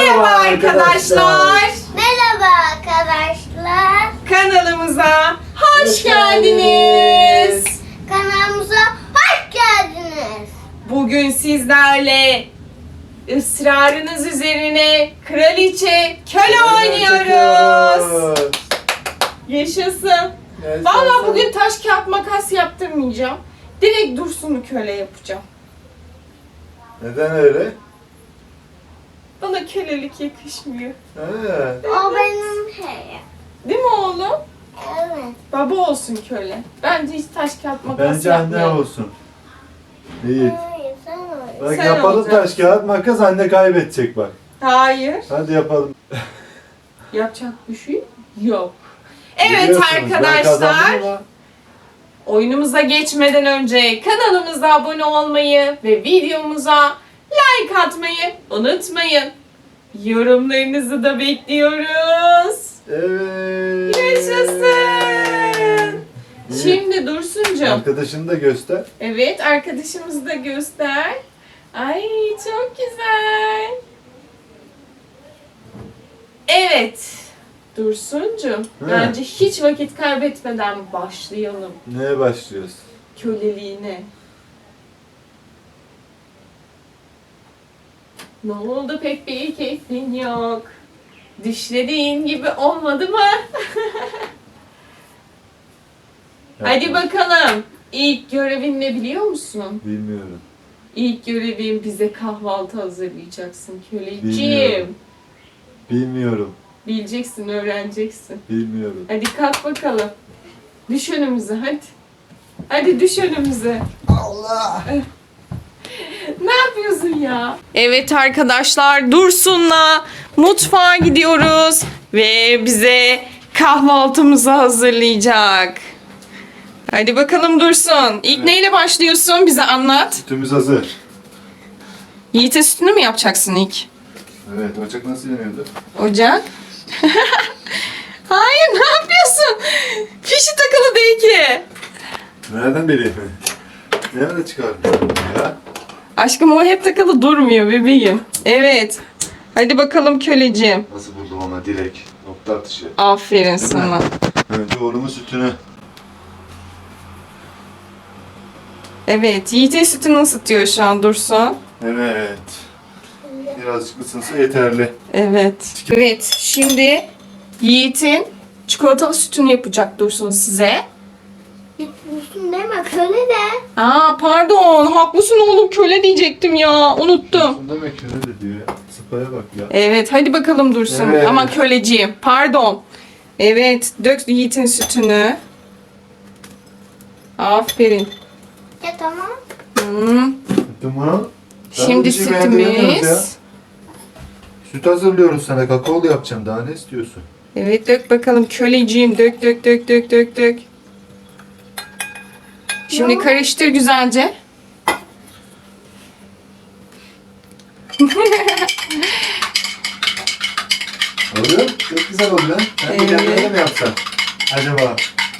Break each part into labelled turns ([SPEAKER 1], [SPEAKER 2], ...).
[SPEAKER 1] Merhaba arkadaşlar.
[SPEAKER 2] Merhaba arkadaşlar.
[SPEAKER 1] Kanalımıza hoş geldiniz.
[SPEAKER 2] Kanalımıza hoş geldiniz.
[SPEAKER 1] Bugün sizlerle ısrarınız üzerine kraliçe köle oynuyoruz. Yaşasın. Vallahi bugün taş kağıt makas yaptırmayacağım. Direkt Dursun'u köle yapacağım.
[SPEAKER 3] Neden öyle?
[SPEAKER 1] Bana kölelik yakışmıyor.
[SPEAKER 3] Evet.
[SPEAKER 2] O benim şeyim.
[SPEAKER 1] Değil mi oğlum?
[SPEAKER 2] Evet.
[SPEAKER 1] Baba olsun köle. Bence hiç taş kağıt makas
[SPEAKER 3] Bence anne
[SPEAKER 1] yapmayalım.
[SPEAKER 3] olsun. İyi.
[SPEAKER 2] Hayır sen oyun.
[SPEAKER 3] Bak
[SPEAKER 1] Sen
[SPEAKER 3] yapalım
[SPEAKER 1] olacaksın.
[SPEAKER 3] taş kağıt makas, anne kaybedecek bak.
[SPEAKER 1] Hayır.
[SPEAKER 3] Hadi yapalım.
[SPEAKER 1] Yapacak bir şey yok. Evet
[SPEAKER 3] Biliyorsunuz, ben
[SPEAKER 1] arkadaşlar.
[SPEAKER 3] kazandım ama
[SPEAKER 1] Oyunumuza geçmeden önce kanalımıza abone olmayı ve videomuza like atmayı unutmayın. Yorumlarınızı da bekliyoruz.
[SPEAKER 3] Evet.
[SPEAKER 1] Yaşasın.
[SPEAKER 3] İyi.
[SPEAKER 1] Şimdi Dursuncuğum.
[SPEAKER 3] Arkadaşını da göster.
[SPEAKER 1] Evet, arkadaşımızı da göster. Ay çok güzel. Evet. Dursuncuğum,
[SPEAKER 3] He.
[SPEAKER 1] bence hiç vakit kaybetmeden başlayalım
[SPEAKER 3] Neye başlıyoruz?
[SPEAKER 1] köleliğine. Ne oldu, pek bir keyfin yok. Düşlediğin gibi olmadı mı? Hadi bakalım. İlk görevin ne biliyor musun?
[SPEAKER 3] Bilmiyorum.
[SPEAKER 1] İlk görevin bize kahvaltı hazırlayacaksın köleciğim.
[SPEAKER 3] Bilmiyorum. Bilmiyorum.
[SPEAKER 1] Bileceksin, öğreneceksin.
[SPEAKER 3] Bilmiyorum.
[SPEAKER 1] Hadi kalk bakalım. Düş önümüze hadi. Hadi düş önümüze.
[SPEAKER 3] Allah!
[SPEAKER 1] Ne yapıyorsun ya? Evet arkadaşlar, Dursun'la mutfağa gidiyoruz ve bize kahvaltımızı hazırlayacak. Hadi bakalım Dursun. İlk
[SPEAKER 3] Evet.
[SPEAKER 1] neyle başlıyorsun? Bize anlat.
[SPEAKER 3] Sütümüz hazır.
[SPEAKER 1] Yiğit'e sütünü mü yapacaksın ilk?
[SPEAKER 3] Evet, ocak nasıl yanıyordu?
[SPEAKER 1] Ocak. Hayır, ne yapıyorsun? Fişi takılı değil ki.
[SPEAKER 3] Nereden bileyim? Nerede çıkardın ya?
[SPEAKER 1] Aşkım o hep takılı durmuyor bebeğim. Evet. Hadi bakalım köleciğim.
[SPEAKER 3] Nasıl buldum ama direkt. Nokta atışı.
[SPEAKER 1] Aferin
[SPEAKER 3] Değil mi?
[SPEAKER 1] sana.
[SPEAKER 3] Önce oğlumun sütünü.
[SPEAKER 1] Evet, Yiğit'in sütünü ısıtıyor şu an Dursun.
[SPEAKER 3] Evet. Birazcık ısınsa yeterli.
[SPEAKER 1] Evet. Evet, şimdi Yiğit'in çikolatalı sütünü yapacak Dursun size.
[SPEAKER 2] Gitmişsin deme köle de.
[SPEAKER 1] Aa pardon, haklısın oğlum, köle diyecektim ya, unuttum.
[SPEAKER 3] Bunda mekene de diyor ya. Sıpaya bak ya.
[SPEAKER 1] Evet, hadi bakalım Dursun.
[SPEAKER 3] Evet.
[SPEAKER 1] Ama köleciğim, pardon. Evet, dök Yiğit'in sütünü. Aferin.
[SPEAKER 2] Ya tamam.
[SPEAKER 1] Hmm.
[SPEAKER 3] Tamam.
[SPEAKER 1] Şimdi
[SPEAKER 3] bir şey beğendiremiyoruz ya.
[SPEAKER 1] sütümüz.
[SPEAKER 3] Süt hazırlıyoruz sana. Kakaolu yapacağım. Daha ne istiyorsun?
[SPEAKER 1] Evet, dök bakalım köleciğim, dök dök dök dök dök dök. Şimdi karıştır güzelce.
[SPEAKER 3] Oluyor. Çok güzel oluyor. Ben bir
[SPEAKER 1] Evet.
[SPEAKER 3] kendine mi yapsam? Acaba?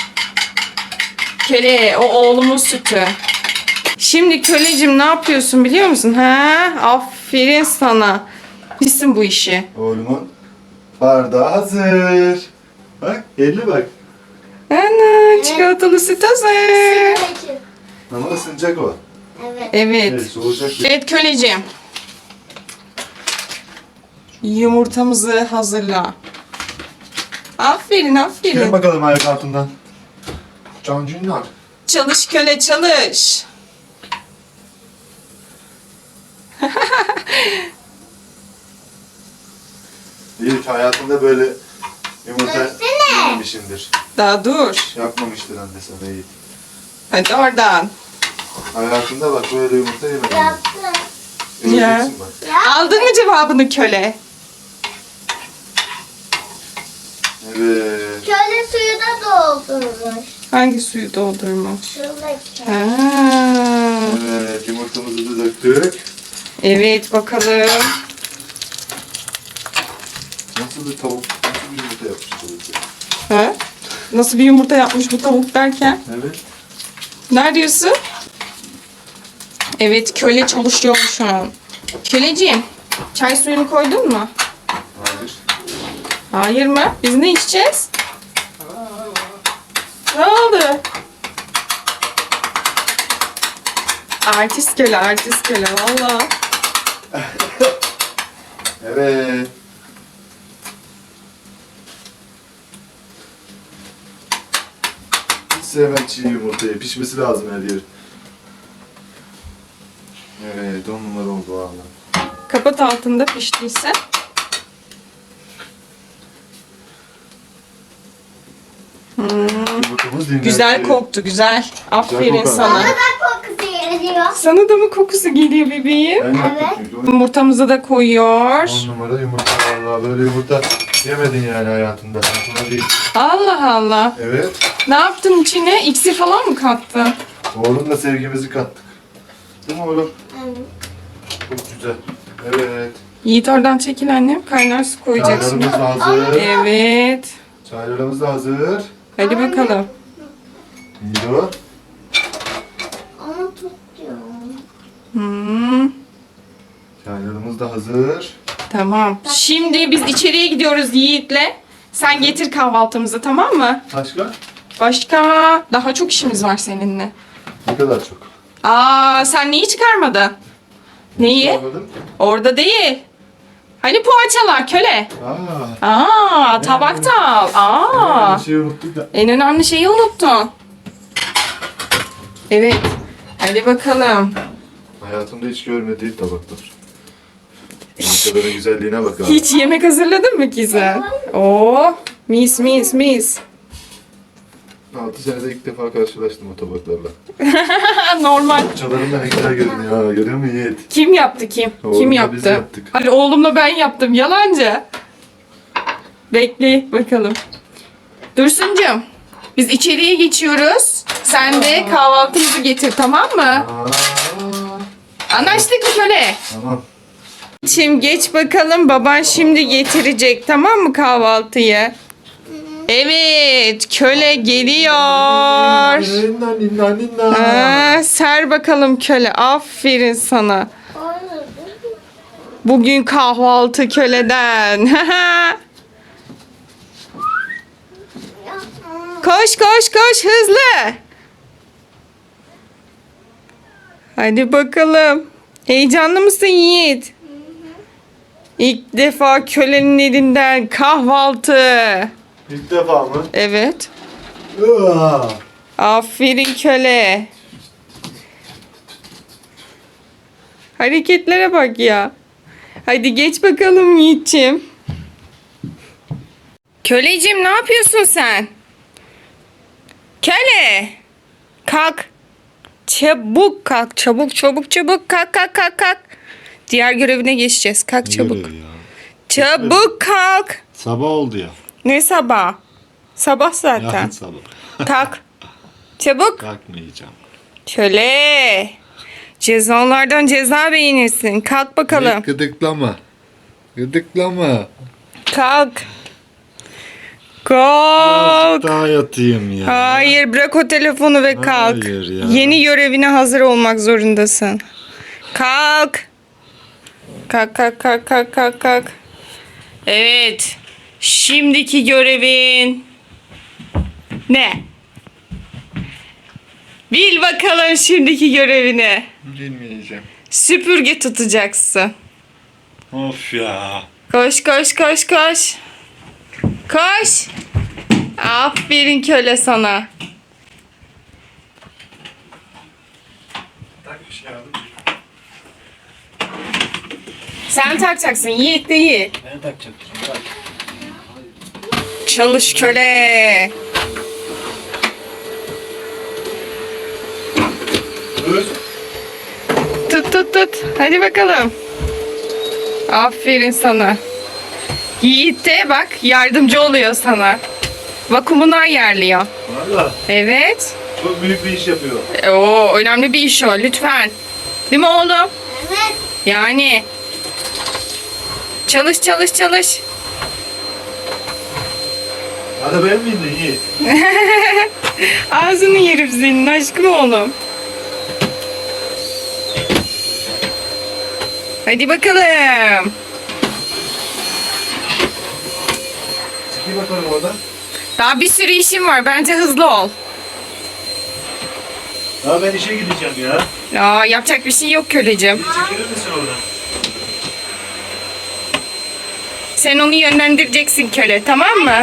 [SPEAKER 1] Köle, o oğlumun sütü. Şimdi köleciğim ne yapıyorsun biliyor musun? Ha? Aferin sana. Bilsin bu işi.
[SPEAKER 3] Oğlumun bardağı hazır. Bak, elli bak.
[SPEAKER 1] Ana, çikolatalı süt hazır.
[SPEAKER 2] Peki.
[SPEAKER 3] Ama ısınacak o.
[SPEAKER 2] Evet.
[SPEAKER 1] Evet.
[SPEAKER 3] Evet, soğuyacak.
[SPEAKER 1] Evet köleciğim. Yumurtamızı hazırla. Aferin,
[SPEAKER 3] Gelin
[SPEAKER 1] aferin.
[SPEAKER 3] bakalım ayak altından. Cancınlar.
[SPEAKER 1] Çalış köle, çalış.
[SPEAKER 3] Yiğit hayatında böyle yumurta
[SPEAKER 2] Döksene.
[SPEAKER 3] yememişindir.
[SPEAKER 1] Daha dur.
[SPEAKER 3] Yapmamıştır anne sana Yiğit.
[SPEAKER 1] Hadi oradan.
[SPEAKER 3] Hayatında bak böyle yumurta yemedin.
[SPEAKER 2] Yaptım.
[SPEAKER 3] Göreceksin bak.
[SPEAKER 1] Aldın mı cevabını köle?
[SPEAKER 3] Evet.
[SPEAKER 2] Köle suyu da doldurmuş.
[SPEAKER 1] Hangi suyu doldurmuş?
[SPEAKER 2] Şuradaki.
[SPEAKER 1] Ha.
[SPEAKER 3] Evet, yumurtamızı da döktük.
[SPEAKER 1] Evet bakalım.
[SPEAKER 3] Nasıl bir tavuk, nasıl bir yumurta yapmış babası?
[SPEAKER 1] Ha? Nasıl bir yumurta yapmış bu tavuk derken?
[SPEAKER 3] Evet.
[SPEAKER 1] Ne diyorsun? Evet köle çalışıyor şu an. Köleciğim, çay suyunu koydun mu? Hayır mı? Biz ne içeceğiz? Ne oldu? Artist köle, artist köle valla.
[SPEAKER 3] Evet. Hiç sevmem çiğ yumurtayı. Pişmesi lazım her yer. Evet, 10 numara oldu valla.
[SPEAKER 1] Kapat altında piştiyse.
[SPEAKER 3] Yumurtamız dinlendi.
[SPEAKER 1] Güzel koktu, güzel. Aferin
[SPEAKER 3] kokar.
[SPEAKER 1] sana.
[SPEAKER 2] Bana da kokusu geliyor.
[SPEAKER 1] Sana da mı kokusu geliyor bebeğim?
[SPEAKER 3] Ben yaptım
[SPEAKER 2] Evet.
[SPEAKER 3] çünkü. On
[SPEAKER 1] Yumurtamızı da koyuyor.
[SPEAKER 3] numara yumurta valla. Böyle yumurta yemedin yani hayatında. Sana değil.
[SPEAKER 1] Allah Allah.
[SPEAKER 3] Evet.
[SPEAKER 1] Ne yaptın içine? İksir falan mı kattın?
[SPEAKER 3] Oğlumla sevgimizi kattık. Değil mi oğlum?
[SPEAKER 2] Evet.
[SPEAKER 3] Çok güzel. Evet.
[SPEAKER 1] Yiğit oradan çekil annem. Kaynar su koyacaksın.
[SPEAKER 3] Çaylarımız da hazır.
[SPEAKER 1] Evet.
[SPEAKER 3] Çaylarımız da hazır.
[SPEAKER 1] Hadi bakalım.
[SPEAKER 3] Yiyor.
[SPEAKER 2] Onu tutuyorum.
[SPEAKER 1] Hmm,
[SPEAKER 3] Çaylarımız da hazır.
[SPEAKER 1] tamam. Şimdi biz içeriye gidiyoruz Yiğit'le. Sen getir kahvaltımızı, tamam mı?
[SPEAKER 3] Başka?
[SPEAKER 1] Başka daha çok işimiz var seninle.
[SPEAKER 3] Ne kadar çok.
[SPEAKER 1] Aa, sen neyi çıkarmadın? Neyi?
[SPEAKER 3] Anladın?
[SPEAKER 1] Orada değil. Hani poğaçalar köle.
[SPEAKER 3] Aa.
[SPEAKER 1] Aa, tabak da al. Aa.
[SPEAKER 3] Bir şey unuttuk da.
[SPEAKER 1] En önemli şeyi unuttun. Evet. Hadi bakalım.
[SPEAKER 3] Hayatımda hiç görmediğim tabaklar. Yumurtaların güzelliğine bak abi.
[SPEAKER 1] Hiç yemek hazırladın mı Gizem? Oo, mis mis mis.
[SPEAKER 3] 6 senede ilk defa karşılaştım o tabaklarla.
[SPEAKER 1] Normal.
[SPEAKER 3] Çalarım da ne güzel görünüyor ha. Görüyor musun Yiğit?
[SPEAKER 1] Kim yaptı kim?
[SPEAKER 3] Oğlumla
[SPEAKER 1] Kim
[SPEAKER 3] biz
[SPEAKER 1] yaptı?
[SPEAKER 3] yaptık.
[SPEAKER 1] Hadi oğlumla ben yaptım. Yalancı. Bekle bakalım. Dursuncuğum. Biz içeriye geçiyoruz. Sen de kahvaltımızı getir, tamam mı?
[SPEAKER 3] Aa.
[SPEAKER 1] Anlaştık mı köle?
[SPEAKER 3] Tamam.
[SPEAKER 1] Şimdi geç bakalım. Baban şimdi getirecek, tamam mı kahvaltıyı? Evet. Köle geliyor.
[SPEAKER 3] Ninna ninna ninna.
[SPEAKER 1] Ser bakalım köle. Aferin sana.
[SPEAKER 2] Onu
[SPEAKER 1] Bugün kahvaltı köleden. Koş koş koş hızlı. Hadi bakalım. Heyecanlı mısın Yiğit? İlk defa kölenin elinden kahvaltı.
[SPEAKER 3] İlk defa mı?
[SPEAKER 1] Evet.
[SPEAKER 3] Aa.
[SPEAKER 1] Aferin köle. Hareketlere bak ya. Hadi geç bakalım Yiğit'ciğim. Köleciğim ne yapıyorsun sen? Köle. Kalk. Çabuk kalk. Çabuk çabuk çabuk. Kalk kalk kalk kalk. Diğer görevine geçeceğiz. Kalk çabuk. Çabuk kalk.
[SPEAKER 4] Sabah oldu ya.
[SPEAKER 1] Ne sabah? Sabah zaten.
[SPEAKER 4] Yarın sabah.
[SPEAKER 1] Kalk. Çabuk.
[SPEAKER 4] Kalkmayacağım.
[SPEAKER 1] Köle. Cezalardan ceza beğenirsin. Kalk bakalım.
[SPEAKER 4] Gıdıklama. Gıdıklama.
[SPEAKER 1] Kalk. Kalk.
[SPEAKER 4] Daha yatayım ya.
[SPEAKER 1] Hayır, bırak o telefonu ve kalk.
[SPEAKER 4] Hayır ya.
[SPEAKER 1] Yeni görevine hazır olmak zorundasın. Kalk. Kalk kalk kalk kalk kalk kalk. Evet. Şimdiki görevin ne? Bil bakalım şimdiki görevini.
[SPEAKER 4] Bilmeyeceğim.
[SPEAKER 1] Süpürge tutacaksın.
[SPEAKER 4] Of ya.
[SPEAKER 1] Koş koş koş koş. Koş. Aferin köle sana. Sen takacaksın, Yiğit değil.
[SPEAKER 4] Ben takacaktım.
[SPEAKER 1] Çalış köle.
[SPEAKER 3] Dur.
[SPEAKER 1] Tut tut tut. Hadi bakalım. Aferin sana. Yiğit de bak yardımcı oluyor sana. Vakumunu ayarlıyor.
[SPEAKER 3] Valla
[SPEAKER 1] Evet.
[SPEAKER 3] çok büyük bir iş yapıyor.
[SPEAKER 1] Oo, önemli bir iş o lütfen. Değil mi oğlum?
[SPEAKER 2] Evet.
[SPEAKER 1] Yani. Çalış çalış çalış.
[SPEAKER 3] Hadi ben miyim de Yiğit?
[SPEAKER 1] Ağzını yerim senin aşkım oğlum. Hadi bakalım.
[SPEAKER 3] Giy bakalım orada.
[SPEAKER 1] Daha bir sürü işim var. Bence hızlı ol.
[SPEAKER 3] Ya ben işe gideceğim ya.
[SPEAKER 1] Ya yapacak bir şey yok köleciğim.
[SPEAKER 3] Çekilir misin oradan?
[SPEAKER 1] Sen onu yönlendireceksin köle, tamam mı?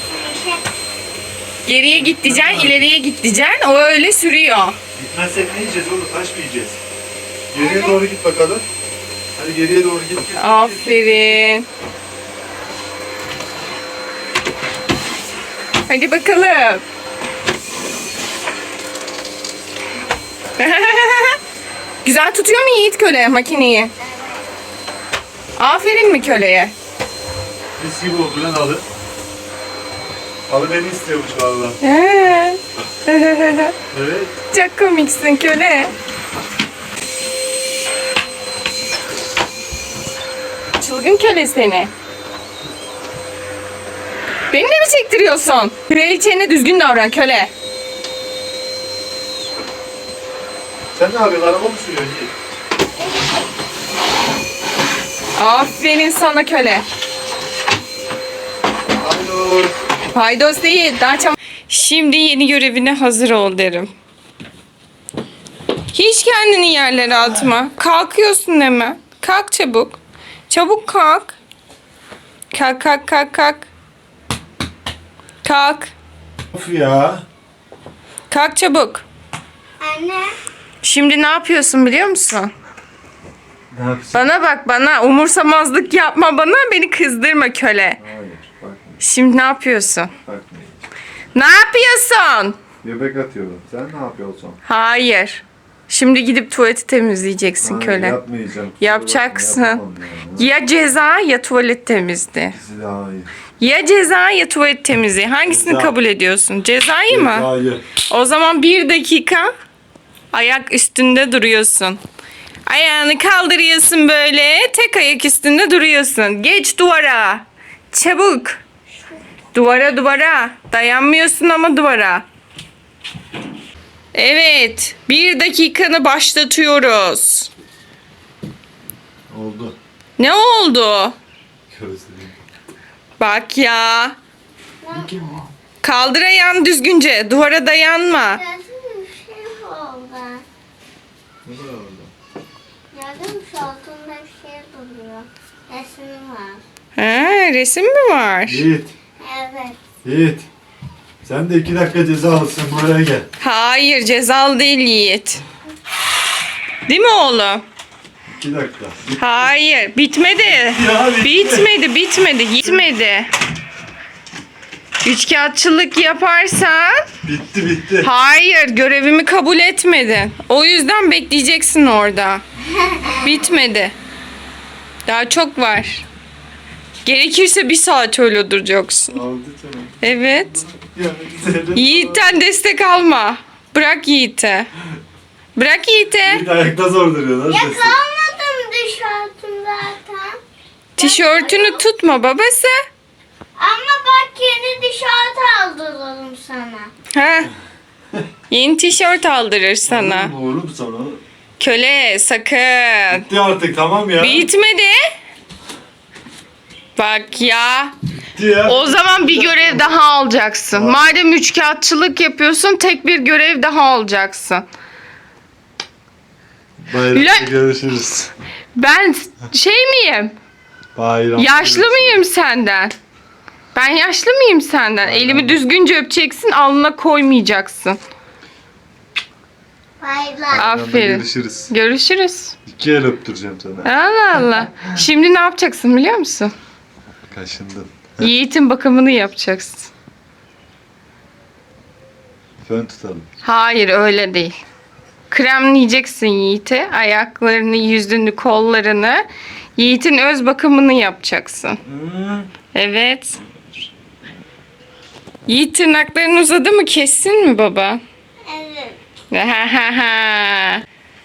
[SPEAKER 1] Geriye git diyeceksin, ileriye git diyeceksin. O öyle sürüyor.
[SPEAKER 3] Gitmezsek ne yiyeceğiz oğlum? Taş mı yiyeceğiz? Geriye doğru git bakalım. Hadi geriye doğru git.
[SPEAKER 1] Aferin. Hadi bakalım. Güzel tutuyor mu Yiğit köle makineyi? Aferin mi köleye?
[SPEAKER 3] Mis gibi oldu lan halı. Halı beni istiyormuş valla. Evet.
[SPEAKER 1] Çok komiksin köle. Çılgın köle seni. Beni de mi çektiriyorsun? Kraliçene düzgün davran köle.
[SPEAKER 3] Sen ne yapıyorsun? Araba mı sürüyorsun Yiğit?
[SPEAKER 1] Aferin sana köle.
[SPEAKER 3] Alo.
[SPEAKER 1] Paydos değil. Daha çabuk. Şimdi yeni görevine hazır ol derim. Hiç kendini yerlere atma. Kalkıyorsun hemen. Kalk çabuk. Çabuk kalk. Kalk kalk kalk kalk. Kalk.
[SPEAKER 3] Of ya.
[SPEAKER 1] Kalk çabuk.
[SPEAKER 2] Anne.
[SPEAKER 1] Şimdi ne yapıyorsun biliyor musun?
[SPEAKER 3] Ne yapıyorsun?
[SPEAKER 1] Bana bak bana. Umursamazlık yapma bana. Beni kızdırma köle.
[SPEAKER 3] Hayır. Bakma.
[SPEAKER 1] Şimdi ne yapıyorsun?
[SPEAKER 3] Bakma.
[SPEAKER 1] Ne yapıyorsun?
[SPEAKER 3] Göbek atıyorum. Sen ne yapıyorsun?
[SPEAKER 1] Hayır. Şimdi gidip tuvaleti temizleyeceksin
[SPEAKER 3] Hayır,
[SPEAKER 1] köle.
[SPEAKER 3] yapmayacağım.
[SPEAKER 1] Yapacaksın.
[SPEAKER 3] Yapamam yani.
[SPEAKER 1] Ya ceza ya tuvalet temizliği.
[SPEAKER 3] İkisi de hayır.
[SPEAKER 1] Ya ceza ya tuvalet temizliği. Hangisini
[SPEAKER 3] Ceza.
[SPEAKER 1] kabul ediyorsun? Cezayı mı?
[SPEAKER 3] Hayır.
[SPEAKER 1] O zaman 1 dakika ayak üstünde duruyorsun. Ayağını kaldırıyorsun böyle. Tek ayak üstünde duruyorsun. Geç duvara. Çabuk. Duvara duvara. Dayanmıyorsun ama duvara. Evet. 1 dakikanı başlatıyoruz.
[SPEAKER 3] Oldu.
[SPEAKER 1] Ne oldu?
[SPEAKER 3] Gözlerim.
[SPEAKER 1] Bak ya. Kaldır ayağını düzgünce. Duvara dayanma.
[SPEAKER 2] Gördün bir şey oldu.
[SPEAKER 3] Ne var orada?
[SPEAKER 2] Gördün mü şu altında bir şey duruyor. Resim var.
[SPEAKER 1] Ha, resim mi var?
[SPEAKER 3] Yiğit.
[SPEAKER 2] Evet.
[SPEAKER 3] Yiğit. Sen de 2 dakika ceza alsın. Buraya gel.
[SPEAKER 1] Hayır, cezalı değil Yiğit. Değil mi oğlum?
[SPEAKER 3] 2 dakika.
[SPEAKER 1] Hayır, bitmedi.
[SPEAKER 3] Ya,
[SPEAKER 1] Bitmedi. Gitmedi. Üçkağıtçılık yaparsan
[SPEAKER 3] Bitti.
[SPEAKER 1] hayır, görevimi kabul etmedin. O yüzden bekleyeceksin orada. Bitmedi. Daha çok var. Gerekirse 1 saat öyle duracaksın.
[SPEAKER 3] Aldı canım.
[SPEAKER 1] Evet.
[SPEAKER 3] Ya, güzelim.
[SPEAKER 1] Yiğit'ten destek alma. Bırak Yiğit'e. Bırak Yiğit'e.
[SPEAKER 3] Yiğit ayakta zor duruyor lan. sesi.
[SPEAKER 2] Kalmadım tişörtüm zaten.
[SPEAKER 1] Tişörtünü tutma babası.
[SPEAKER 2] Ama bak yeni tişört aldıralım sana.
[SPEAKER 1] Ha. Yeni tişört aldırır sana.
[SPEAKER 3] Oğlum sana.
[SPEAKER 1] Köle sakın.
[SPEAKER 3] Bitti artık tamam ya.
[SPEAKER 1] Bitmedi. Bak ya.
[SPEAKER 3] Bitti ya.
[SPEAKER 1] O zaman bir görev daha alacaksın. Madem üçkağıtçılık yapıyorsun tek bir görev daha alacaksın.
[SPEAKER 3] Bayramda
[SPEAKER 1] Lan-
[SPEAKER 3] görüşürüz.
[SPEAKER 1] Ben şey miyim?
[SPEAKER 3] Bayram.
[SPEAKER 1] Yaşlı mıyım senden? Ben yaşlı mıyım senden? Elimi düzgünce öpeceksin, alnına koymayacaksın.
[SPEAKER 2] Baylar.
[SPEAKER 1] Aferin.
[SPEAKER 3] Görüşürüz.
[SPEAKER 1] Görüşürüz.
[SPEAKER 3] 2 el öptüreceğim sana.
[SPEAKER 1] Allah Allah. Şimdi ne yapacaksın biliyor musun?
[SPEAKER 3] Kaşındın.
[SPEAKER 1] Yiğit'in bakımını yapacaksın.
[SPEAKER 3] Fön tutalım.
[SPEAKER 1] Hayır öyle değil. Kremleyeceksin Yiğit'i. Ayaklarını, yüzünü, kollarını. Yiğit'in öz bakımını yapacaksın. Evet. Yiğit tırnakların uzadı mı? Kessin mi baba?
[SPEAKER 2] Evet.
[SPEAKER 1] Ha ha ha.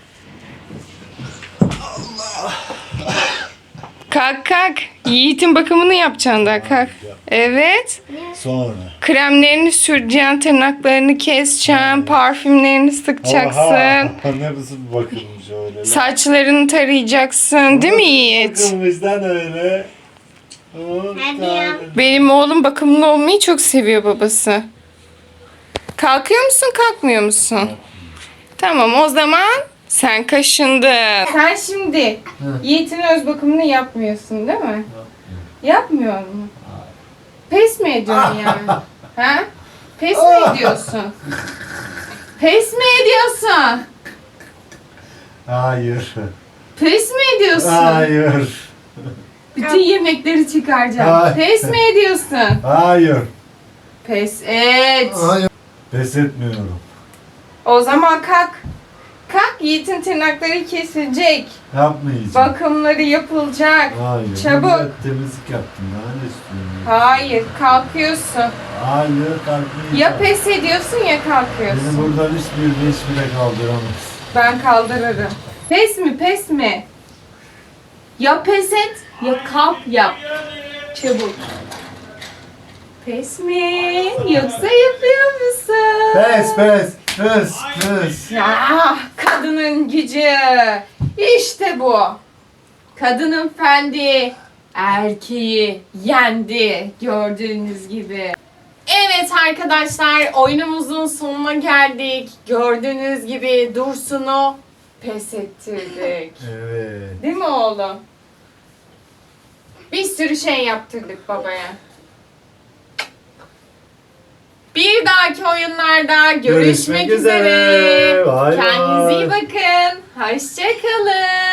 [SPEAKER 1] Kalk kalk. Yiğit'in bakımını yapacaksın da kalk. Evet.
[SPEAKER 3] Sonra.
[SPEAKER 1] Kremlerini süreceksin, tırnaklarını keseceksin, parfümlerini sıkacaksın.
[SPEAKER 3] Nasıl bir bakılmış öyle.
[SPEAKER 1] Saçlarını tarayacaksın. Değil mi Yiğit?
[SPEAKER 3] Bakılmıştan öyle.
[SPEAKER 2] Hadi ya.
[SPEAKER 1] Benim oğlum bakımlı olmayı çok seviyor babası. Kalkıyor musun, kalkmıyor musun? Tamam, o zaman sen kaşındın. Sen şimdi Yiğit'in öz bakımını yapmıyorsun değil mi? Yapmıyor mu? Pes mi ediyorsun yani? Ha? Pes mi ediyorsun? Pes mi ediyorsun?
[SPEAKER 3] Hayır.
[SPEAKER 1] Pes mi ediyorsun?
[SPEAKER 3] Hayır.
[SPEAKER 1] Bütün yemekleri çıkaracağım.
[SPEAKER 3] Hayır.
[SPEAKER 1] Pes mi ediyorsun?
[SPEAKER 3] Hayır.
[SPEAKER 1] Pes et.
[SPEAKER 3] Hayır. Pes etmiyorum.
[SPEAKER 1] O zaman kalk. Kalk, Yiğit'in tırnakları kesilecek.
[SPEAKER 3] Yapmayacağım.
[SPEAKER 1] Bakımları yapılacak.
[SPEAKER 3] Hayır.
[SPEAKER 1] Çabuk.
[SPEAKER 3] Ben temizlik yaptım. Daha ne istiyorum?
[SPEAKER 1] Hayır, kalkıyorsun.
[SPEAKER 3] Hayır, kalkmayacağım.
[SPEAKER 1] Ya pes ediyorsun ya kalkıyorsun.
[SPEAKER 3] Beni buradan hiçbiri kaldıramaz.
[SPEAKER 1] Ben kaldırırım. Pes mi, pes mi? Ya pes et ya kalk yap. Çabuk. Pes mi? Yoksa yapıyor musun?
[SPEAKER 3] Pes.
[SPEAKER 1] Ya kadının gücü. İşte bu. Kadının fendi erkeği yendi gördüğünüz gibi. Evet arkadaşlar, oyunumuzun sonuna geldik. Gördüğünüz gibi Dursun'u pes ettirdik.
[SPEAKER 3] Evet.
[SPEAKER 1] Değil mi oğlum? Bir sürü şey yaptırdık babaya. Bir dahaki oyunlarda görüşmek
[SPEAKER 3] Görüşmek
[SPEAKER 1] üzere.
[SPEAKER 3] üzere. Bay
[SPEAKER 1] Kendinize iyi
[SPEAKER 3] bay.
[SPEAKER 1] bakın. Hoşça kalın.